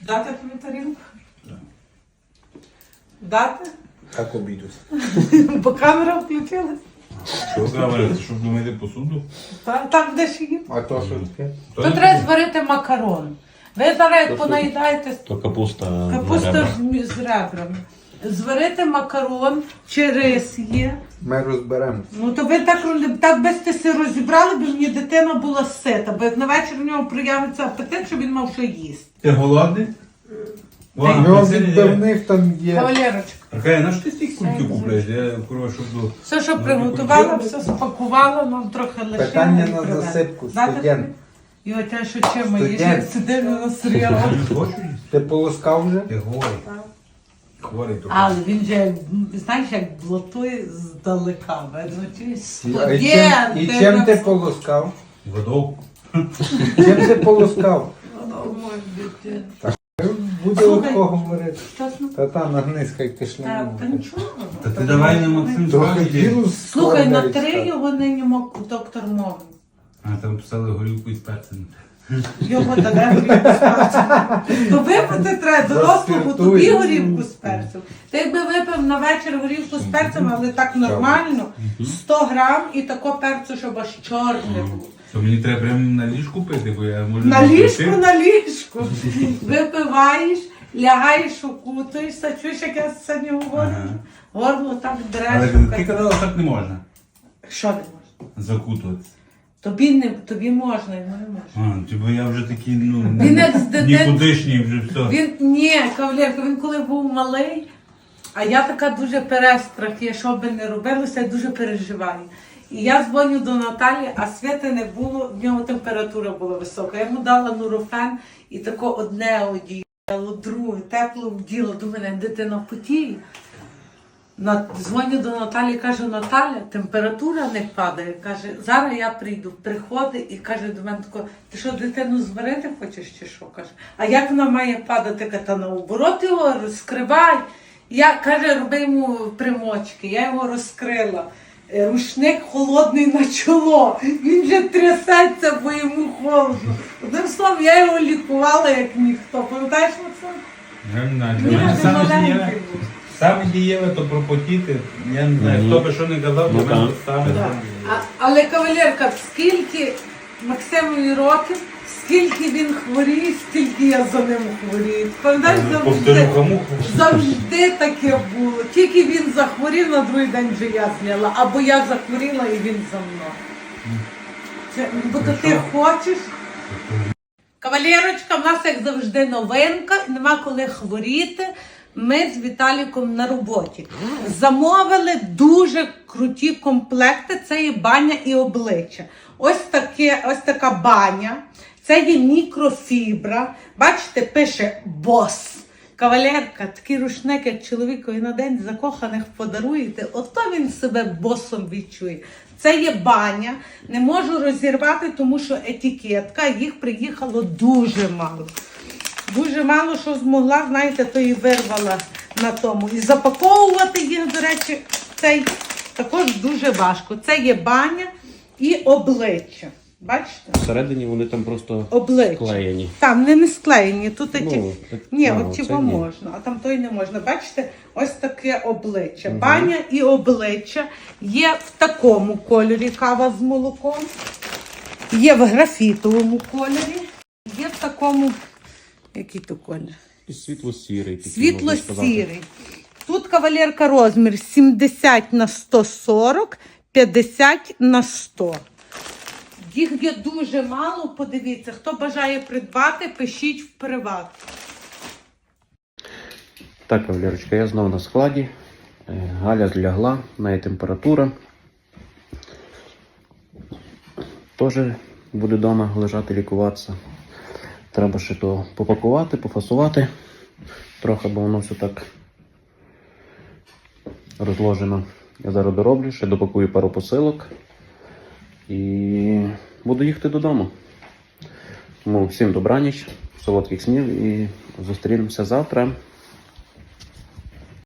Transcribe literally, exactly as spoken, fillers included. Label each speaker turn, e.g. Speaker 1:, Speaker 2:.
Speaker 1: Дати тобі тарілку? Так. Дати?
Speaker 2: Так обійдуть.
Speaker 1: Бо камера включилась.
Speaker 3: Що камера? Ти щоб помити посуду?
Speaker 1: Так, так де ж їм.
Speaker 2: А то що таке?
Speaker 1: То треба зварити макарон. Ви зараз як понаїдаєте
Speaker 3: То капуста.
Speaker 1: капуста з, з ребрами. Зварити макарон чи рис є.
Speaker 2: Ми розберемося.
Speaker 1: Ну то ви так, так би сте се розібрали, бо мені дитина була сита, бо як на вечір у нього проявиться апетит, щоб він мав що їсти.
Speaker 3: Ти голодний?
Speaker 2: У нього відбивних там є.
Speaker 1: Кавалерочка.
Speaker 3: Аркадій, на що ти стільки кульків купляєш? Я курва, щоб до...
Speaker 1: Все, що приготувала, все спакувала, нам трохи лишила.
Speaker 2: Питання
Speaker 1: і
Speaker 2: на
Speaker 1: привезла.
Speaker 2: засипку.
Speaker 1: Дати
Speaker 2: Студент.
Speaker 1: тобі? І отя, що чим їж,
Speaker 2: Студент.
Speaker 1: як сидимо на серіалі.
Speaker 3: Я не хочу їсти.
Speaker 2: Ти полоскав вже?
Speaker 3: Ти хворий. Хворий то.
Speaker 1: Але він же, знаєш, як блатує здалека. Видно, чи
Speaker 2: І, а
Speaker 1: студент.
Speaker 2: чим, і чим ти полоскав?
Speaker 3: Водов.
Speaker 2: Чим ти полоскав?
Speaker 1: О, мой дитин.
Speaker 2: Буде
Speaker 1: Слухай.
Speaker 2: легко говорити.
Speaker 1: Чесно?
Speaker 2: Та та нагнись, хай ти
Speaker 1: Та, та
Speaker 2: шляму.
Speaker 1: нічого.
Speaker 3: Та ти давай на Максим
Speaker 2: Трохи
Speaker 3: звати.
Speaker 2: вірус.
Speaker 1: Слухай, на
Speaker 2: скоро
Speaker 1: три
Speaker 2: навіть
Speaker 1: його нині мог доктор мови.
Speaker 3: А там писали горілку із перцем.
Speaker 1: Його дали горівку з перцем. То випити треба дорослому, тобі
Speaker 2: Заспіртуй.
Speaker 1: горівку з перцем. Ти якби випив на вечір горівку з перцем, але так нормально, сто грам і тако перцю, щоб аж чорне було.
Speaker 3: То мені треба прямо на ліжку пити, бо я можу...
Speaker 1: На
Speaker 3: не
Speaker 1: ліжку,
Speaker 3: пити.
Speaker 1: на ліжку. Випиваєш, лягаєш, укутуєшся, чуєш, як я сьогодні говорю?
Speaker 3: Ага.
Speaker 1: Горло так
Speaker 3: Але
Speaker 1: дреше.
Speaker 3: ти казала, що так не можна.
Speaker 1: Що не можна?
Speaker 3: Закутуватися.
Speaker 1: Тобі, не, тобі можна, йому не можна.
Speaker 3: А, типу я вже такий, ну,
Speaker 1: Він як з дитин-
Speaker 3: нікудишній вже все.
Speaker 1: Він, ні, кавалерка, він коли був малий, а я така дуже перестрах, я що би не робилося, я дуже переживаю. І я дзвоню до Наталі, а Світи не було, в нього температура була висока. Я йому дала нурофен і тако одне одіяло, друге, тепло вділо. До мене дитина потіє. На, дзвоню до Наталі, кажу, Наталя, температура не падає. Каже, зараз я прийду. Приходить і каже до мене тако, ти що, дитину зварити хочеш чи що? Каже, а як вона має падати? Каже, та наоборот його розкривай. Я, каже, роби йому примочки. Я його розкрила. Е, Рушник холодний на чоло. Він вже трясеться, бо йому холодно. Одним словом, я його лікувала, як ніхто. Пам'ятаєш, Максим?
Speaker 3: Я не знаю, для
Speaker 1: Ні,
Speaker 3: мене
Speaker 1: він
Speaker 3: саме
Speaker 1: маленький
Speaker 3: дієве,
Speaker 1: був.
Speaker 3: саме дієве то пропотіти. Я не знаю, хто би що не казав, для
Speaker 4: Ну,
Speaker 3: мене
Speaker 4: так.
Speaker 3: саме.
Speaker 1: Да. А, але кавалерка, скільки Максимові років, скільки він хворіє, стільки я за ним хворію. Пам'ятаєш, завжди,
Speaker 3: Повторюха муха.
Speaker 1: завжди таке було. Тільки він захворів, на другий день вже я зняла. Або я захворіла і він за мною. Це, бо то ти хочеш. Кавалерочка, в нас, як завжди, новинка, нема коли хворіти. Ми з Віталіком на роботі. Замовили дуже круті комплекти, це є баня і обличчя. Ось, таке, ось така баня, це є мікрофібра. Бачите, пише бос. Кавалерка, такий рушник, як чоловікові на день закоханих подаруєте, ото він себе босом відчує. Це є баня, не можу розірвати, тому що етикетка, їх приїхало дуже мало. Дуже мало що змогла, знаєте, то і вирвала на тому. І запаковувати їх, до речі, цей також дуже важко. Це є баня і обличчя. Бачите?
Speaker 4: Всередині вони там просто
Speaker 1: Обличчя.
Speaker 4: склеєні.
Speaker 1: Там не, не склеєні, тут
Speaker 4: Ну,
Speaker 1: ті...
Speaker 4: так-
Speaker 1: Ні,
Speaker 4: а,
Speaker 1: от
Speaker 4: оце
Speaker 1: цього
Speaker 4: ні.
Speaker 1: можна, а там той не можна. Бачите, ось таке обличчя. Баня і обличчя є в такому кольорі, кава з молоком, є в графітовому кольорі, є в такому, який то колір?
Speaker 4: І світло-сірий. такий, можна сказати.
Speaker 1: Світло-сірий. Тут кавалерка розмір сімдесят на сто сорок, п'ятдесят на сто. Їх є дуже мало, подивіться. Хто бажає придбати, пишіть в приват.
Speaker 4: Так, Валерочка, я знову на складі. Е, Галя злягла, в неї температура. Теж буде вдома лежати, лікуватися. Треба ще то попакувати, пофасувати. Трохи, бо воно все так розложено. Я зараз дороблю, ще допакую пару посилок. І буду їхати додому. Тому всім добраніч, солодких снів і зустрінемося завтра.